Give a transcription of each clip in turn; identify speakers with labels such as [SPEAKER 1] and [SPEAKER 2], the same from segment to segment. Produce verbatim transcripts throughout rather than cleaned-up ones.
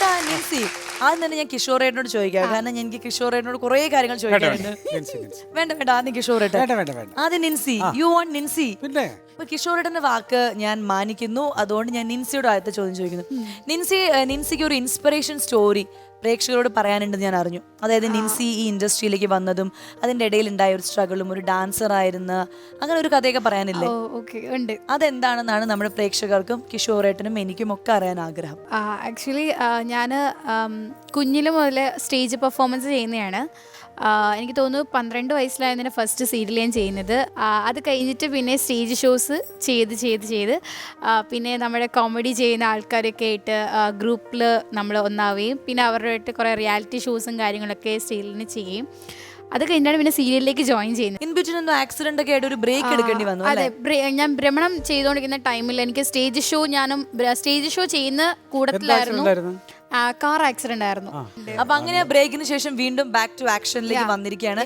[SPEAKER 1] ചേട്ടാ നിൻസി ആദ്യം തന്നെ ഞാൻ കിഷോറേട്ടനോട് ചോദിക്കാം, കാരണം എനിക്ക് കിഷോറേട്ടനോട് കുറെ കാര്യങ്ങൾ ചോദിക്കാറുണ്ട്. വേണ്ട വേണ്ട ആദ്യം കിഷോറേട്ടൻ. ആദ്യം നിൻസി, യു വാണ്ട് നിൻസി.
[SPEAKER 2] പിന്നെ
[SPEAKER 1] ഇപ്പൊ കിഷോറേട്ടന്റെ വാക്ക് ഞാൻ മാനിക്കുന്നു, അതുകൊണ്ട് ഞാൻ നിൻസിയോട് ആദ്യത്തെ ചോദ്യം ചോദിക്കുന്നു. നിൻസി നിൻസിക്ക് ഒരു ഇൻസ്പിറേഷൻ സ്റ്റോറി പ്രേക്ഷകരോട് പറയാനുണ്ടെന്ന് ഞാൻ അറിഞ്ഞു. അതായത് നിൻസി ഈ ഇൻഡസ്ട്രിയിലേക്ക് വന്നതും അതിന്റെ ഇടയിൽ ഉണ്ടായ ഒരു സ്ട്രഗിളും, ഒരു ഡാൻസർ ആയിരുന്ന അങ്ങനെ ഒരു കഥയൊക്കെ പറയാനില്ലേ? അതെന്താണെന്നാണ് നമ്മുടെ പ്രേക്ഷകർക്കും കിഷോറേട്ടനും എനിക്കും ഒക്കെ അറിയാൻ ആഗ്രഹം.
[SPEAKER 3] ആക്ച്വലി ഞാൻ കുഞ്ഞില് മുതൽ സ്റ്റേജ് പെർഫോമൻസ് ചെയ്യുന്നതാണ്. എനിക്ക് തോന്നുന്നു പന്ത്രണ്ട് വയസ്സിലായതിന് ഫസ്റ്റ് സീരിയൽ ഞാൻ ചെയ്യുന്നത്. അത് കഴിഞ്ഞിട്ട് പിന്നെ സ്റ്റേജ് ഷോസ് ചെയ്ത് ചെയ്ത് ചെയ്ത് പിന്നെ നമ്മുടെ കോമഡി ചെയ്യുന്ന ആൾക്കാരൊക്കെ ആയിട്ട് ഗ്രൂപ്പിൽ നമ്മൾ ഒന്നാവുകയും പിന്നെ അവരുമായിട്ട് കുറേ റിയാലിറ്റി ഷോസും കാര്യങ്ങളൊക്കെ സ്റ്റേജിന് ചെയ്യും. അത് കഴിഞ്ഞാണ് പിന്നെ സീരിയലിലേക്ക് ജോയിൻ ചെയ്യുന്നത്.
[SPEAKER 1] ഇൻ ബിറ്റ്വീൻ എന്തോ ആക്സിഡന്റ് ഒക്കെ ആയിട്ട് ഒരു ബ്രേക്ക് എടുക്കേണ്ടി വന്നു.
[SPEAKER 3] അതെ, ഞാൻ ഭ്രമണം ചെയ്തുകൊണ്ടിരിക്കുന്ന ടൈമിൽ എനിക്ക് സ്റ്റേജ് ഷോ ഞാനും സ്റ്റേജ് ഷോ ചെയ്യുന്ന കൂട്ടത്തിലായിരുന്നു. കാർ ആക്സിഡന്റ് ആയിരുന്നു.
[SPEAKER 1] അപ്പൊ അങ്ങനെ ബ്രേക്കിന് ശേഷം വീണ്ടും ബാക്ക് ടു ആക്ഷനിലേക്ക് വന്നിരിക്കുകയാണ്.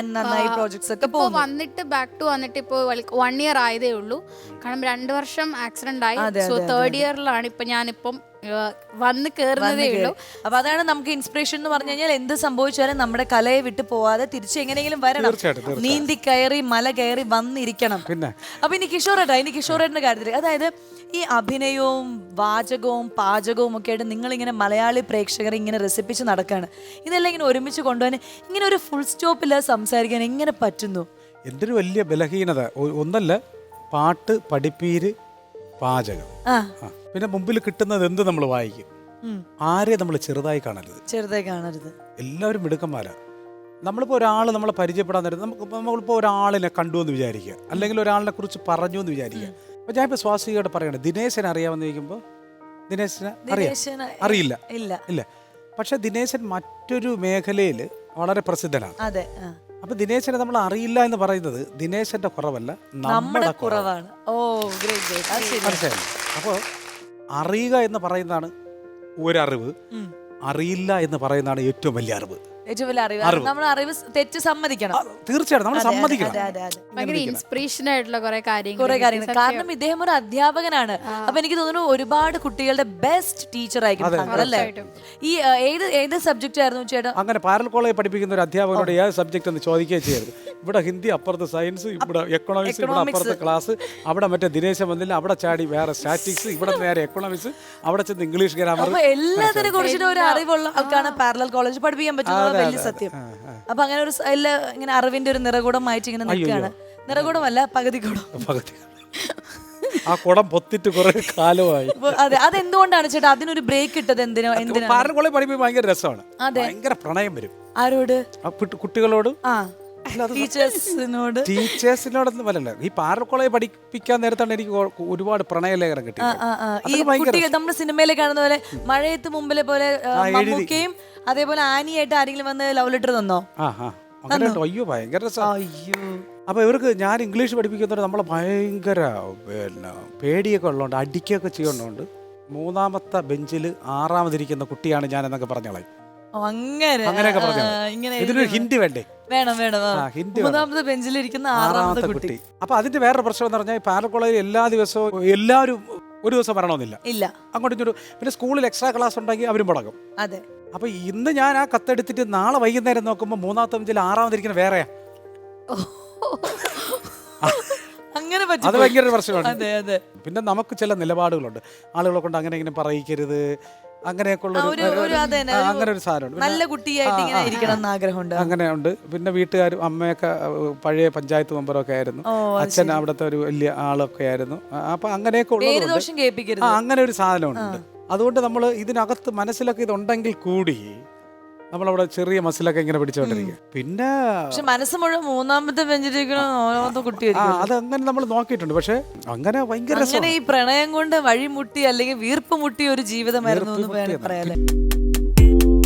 [SPEAKER 3] ഇപ്പൊ വന്നിട്ട് ബാക്ക് ടു വന്നിട്ട് ഇപ്പൊ വൺ ഇയർ ആയതേ ഉള്ളൂ. കാരണം രണ്ടു വർഷം ആക്സിഡന്റ് ആയി. സോ തേർഡ് ഇയറിലാണ് ഇപ്പൊ ഞാനിപ്പം വന്ന് കയറുന്നതേ ഉള്ളൂ.
[SPEAKER 1] അപ്പൊ അതാണ് നമുക്ക് ഇൻസ്പിറേഷൻ എന്ന് പറഞ്ഞു കഴിഞ്ഞാൽ എന്ത് സംഭവിച്ചാലും നമ്മുടെ കലയെ വിട്ടു പോവാതെ തിരിച്ചു എങ്ങനെയെങ്കിലും വരണം, നീന്തി കയറി മല കയറി വന്നിരിക്കണം. അപ്പൊ ഇനി കിഷോറേട്ടാ, ഇനി കിഷോറേട്ടന്റെ കാര്യത്തിൽ, അതായത് ഈ അഭിനയവും വാചകവും പാചകവും ഒക്കെ ആയിട്ട് നിങ്ങളിങ്ങനെ മലയാളി പ്രേക്ഷകരെ ഇങ്ങനെ രസിപ്പിച്ച് നടക്കാണ്. ഇതെല്ലാം ഇങ്ങനെ ഒരുമിച്ച് കൊണ്ടുപോകാൻ ഇങ്ങനെ ഒരു ഫുൾ സ്റ്റോപ്പില്ല സംസാരിക്കാൻ എങ്ങനെ പറ്റുന്നു?
[SPEAKER 2] എന്തൊരു വലിയ ബലഹീനത. ഒന്നല്ല, പാട്ട്, പഠിപ്പീര്, പാചകം, പിന്നെ മുമ്പിൽ കിട്ടുന്നത് എന്ത് നമ്മൾ വായിക്കും. ആരെ നമ്മൾ ചെറുതായി കാണരുത്,
[SPEAKER 1] ചെറുതായി കാണരുത്.
[SPEAKER 2] എല്ലാവരും മിടുക്കന്മാരാ. നമ്മളിപ്പോൾ ഒരാൾ നമ്മളെ പരിചയപ്പെടാൻ നേരം നമുക്ക് നമ്മളിപ്പോൾ ഒരാളിനെ കണ്ടു എന്ന് വിചാരിക്കുക, അല്ലെങ്കിൽ ഒരാളിനെ കുറിച്ച് പറഞ്ഞു എന്ന് വിചാരിക്കുക. അപ്പോൾ ഞാനിപ്പോൾ സ്വാസികയോട് പറയണേ, ദിനേശനെ അറിയാമെന്ന് ചോദിക്കുമ്പോൾ ദിനേശനെ അറിയാം അറിയില്ല ഇല്ല ഇല്ല പക്ഷെ ദിനേശൻ മറ്റൊരു മേഖലയിൽ വളരെ പ്രസിദ്ധനാണ്.
[SPEAKER 1] അതെ.
[SPEAKER 2] അപ്പൊ ദിനേശനെ നമ്മൾ അറിയില്ല എന്ന് പറയുന്നത് ദിനേശന്റെ കുറവല്ല, നമ്മുടെ കുറവാണ്.
[SPEAKER 1] Oh great.
[SPEAKER 2] അപ്പോൾ അറിയുക എന്ന് പറയുന്നതാണ് ഒരറിവ്, അറിയില്ല എന്ന് പറയുന്നതാണ് ഏറ്റവും വലിയ അറിവ്.
[SPEAKER 1] ഏറ്റവും വലിയ അറിവ്. നമ്മൾ അറിവ് തെറ്റ് സമ്മതിക്കണം.
[SPEAKER 2] തീർച്ചയായിട്ടും നമ്മൾ സമ്മതിക്കണം.
[SPEAKER 3] ഭയങ്കര ഇൻസ്പിറേഷൻ ആയിട്ടുള്ള കുറെ കാര്യങ്ങൾ
[SPEAKER 1] കുറെ കാര്യങ്ങൾ. കാരണം ഇദ്ദേഹം ഒരു അധ്യാപകനാണ്. അപ്പൊ എനിക്ക് തോന്നുന്നു ഒരുപാട് കുട്ടികളുടെ ബെസ്റ്റ് ടീച്ചർ ആയിരിക്കും അല്ലേ? ഈ ഏത് ഏത് സബ്ജക്റ്റ് ആയിരുന്നു ചേട്ടാ?
[SPEAKER 2] അങ്ങനെ പാരൽ കോളേജ് പഠിപ്പിക്കുന്ന ഒരു അധ്യാപകനോട് ഏത് സബ്ജക്ട് എന്ന് ചോദിക്കുകയും ചെയ്യരുത്. ഇവിടെ ഹിന്ദി അപ്പുറത്ത് സയൻസ്, ഇവിടെ എക്കണോമിക്സ്, ഇവിടെ അപ്പുറത്ത് ക്ലാസ്, അവിടെ മറ്റേ ദിനേശം വന്നില്ല, അവിടെ ചാടി വേറെ സ്റ്റാറ്റിക്സ്, ഇവിടെ നേരെ എക്കണോമിക്സ്, അവിടെ ചെന്ന് ഇംഗ്ലീഷ് ഗ്രാമർ.
[SPEAKER 1] എല്ലാത്തിനെ കുറിച്ചിട്ട് ഒരു അറിവുള്ള ആൾക്കാണ് പാരലൽ കോളേജ് പഠിപ്പിക്കാൻ പറ്റുന്നത്. വലിയ സത്യം. അപ്പൊ അങ്ങനെ ഒരു എല്ലാ ഇങ്ങനെ അറിവിന്റെ ഒരു നിറകൂടമായിട്ട് ഇങ്ങനെ നിൽക്കുകയാണ്. നിറകൂടമല്ല, പകുതി കൂടം.
[SPEAKER 2] പകുതി ആ കുടം പൊത്തിട്ട് കുറെ കാലമായി.
[SPEAKER 1] അതെ. അതെന്തുകൊണ്ടാണ് ചേട്ടാ അതിനൊരു ബ്രേക്ക് ഇട്ടത്? എന്തിനോ എന്തിനാ?
[SPEAKER 2] പാരൽ കോളേജ് പഠിപ്പിക്കാൻ ഭയങ്കര രസമാണ്. ഭയങ്കര പ്രണയം വരും.
[SPEAKER 1] ആരോട്?
[SPEAKER 2] കുട്ടികളോട്.
[SPEAKER 1] ആ ടീച്ചേഴ്സിനോട്.
[SPEAKER 2] ടീച്ചേഴ്സിനോടൊന്നും വരല്ല. ഈ പാരൽ കോളേജ് പഠിപ്പിക്കാൻ നേരത്താണ് എനിക്ക് ഒരുപാട് പ്രണയലേഖനം കിട്ടിയത്.
[SPEAKER 1] നമ്മുടെ സിനിമയിലെ കാണുന്ന പോലെ മഴയത്ത് മുമ്പിലെ പോലെ മമ്മൂക്കയും അതേപോലെ ആനിയായിട്ട് ആരെങ്കിലും വന്ന് ലവ് ലെറ്റർ തന്നോ?
[SPEAKER 2] അയ്യോ ഭയങ്കര രസം. അയ്യോ. അപ്പൊ ഇവർക്ക് ഞാൻ ഇംഗ്ലീഷ് പഠിപ്പിക്കുന്നവർ നമ്മളെ ഭയങ്കര പിന്നെ പേടിയൊക്കെ ഉള്ളതുകൊണ്ട് അടിക്കുകയൊക്കെ ചെയ്യുന്നതുകൊണ്ട് മൂന്നാമത്തെ ബെഞ്ചിൽ ആറാമതിരിക്കുന്ന കുട്ടിയാണ് ഞാൻ എന്നൊക്കെ പറഞ്ഞോളാം.
[SPEAKER 1] അങ്ങനെ
[SPEAKER 2] അങ്ങനെയൊക്കെ പറഞ്ഞു. ഇതിനൊരു ഹിന്ദി വേണ്ടേ?
[SPEAKER 1] വേണം വേണം. മൂന്നാമത്തെ ബെഞ്ചിലിരിക്കുന്ന ആറാമത്തെ കുട്ടി.
[SPEAKER 2] അപ്പൊ അതിന്റെ വേറൊരു പ്രശ്നം എന്ന് പറഞ്ഞാൽ പാരൽ കോളേജിൽ എല്ലാ ദിവസവും എല്ലാവരും ഒരു ദിവസം വരണമെന്നില്ല.
[SPEAKER 1] ഇല്ല.
[SPEAKER 2] അങ്ങോട്ടും ഇങ്ങോട്ടും. പിന്നെ സ്കൂളിൽ എക്സ്ട്രാ ക്ലാസ് ഉണ്ടെങ്കിൽ അവരും മുടങ്ങും.
[SPEAKER 1] അതെ.
[SPEAKER 2] അപ്പൊ ഇന്ന് ഞാൻ ആ കത്തെടുത്തിട്ട് നാളെ വൈകുന്നേരം നോക്കുമ്പോൾ മൂന്നാമത്തെ ബെഞ്ചിൽ ആറാമതിരിക്കുന്ന വേറെയാ.
[SPEAKER 1] അങ്ങനെ
[SPEAKER 2] അത് ഭയങ്കര പ്രശ്നമാണ്. പിന്നെ നമുക്ക് ചില നിലപാടുകളുണ്ട്. ആളുകളെ കൊണ്ട് അങ്ങനെ ഇങ്ങനെ പറയിക്കരുത്, അങ്ങനെയൊക്കെ ഉള്ള അങ്ങനെ ഒരു സാധനമുണ്ട്.
[SPEAKER 1] നല്ല കുട്ടിയായിട്ട് ഇങ്ങനെ ഇരിക്കണം എന്ന് ആഗ്രഹമുണ്ട്.
[SPEAKER 2] അങ്ങനെ ഉണ്ട്. പിന്നെ വീട്ടുകാരും അമ്മയൊക്കെ പഴയ പഞ്ചായത്ത് മെമ്പറൊക്കെ ആയിരുന്നു, അച്ഛൻ അവിടുത്തെ ഒരു വലിയ ആളൊക്കെ ആയിരുന്നു. അപ്പൊ അങ്ങനെയൊക്കെ ഉള്ളത് അങ്ങനെ ഒരു സാധനമുണ്ട്. അതുകൊണ്ട് നമ്മൾ ഇതിനകത്ത് മനസ്സിലൊക്കെ ഇതുണ്ടെങ്കിൽ കൂടി നമ്മളവിടെ ചെറിയ മസിലൊക്കെ ഇങ്ങനെ പിടിച്ചോണ്ടിരിക്കുക. പിന്നെ
[SPEAKER 1] മനസ്സ് മുഴുവൻ മൂന്നാമത്തെ ബെഞ്ചിലിരിക്കണ കുട്ടി.
[SPEAKER 2] അത് അങ്ങനെ നമ്മൾ നോക്കിയിട്ടുണ്ട്. പക്ഷെ അങ്ങനെ ഭയങ്കര
[SPEAKER 1] അങ്ങനെ ഈ പ്രണയം കൊണ്ട് വഴിമുട്ടി അല്ലെങ്കിൽ വീർപ്പ് മുട്ടിയ ഒരു ജീവിതമായിരുന്നു എന്ന് പറയാൻ.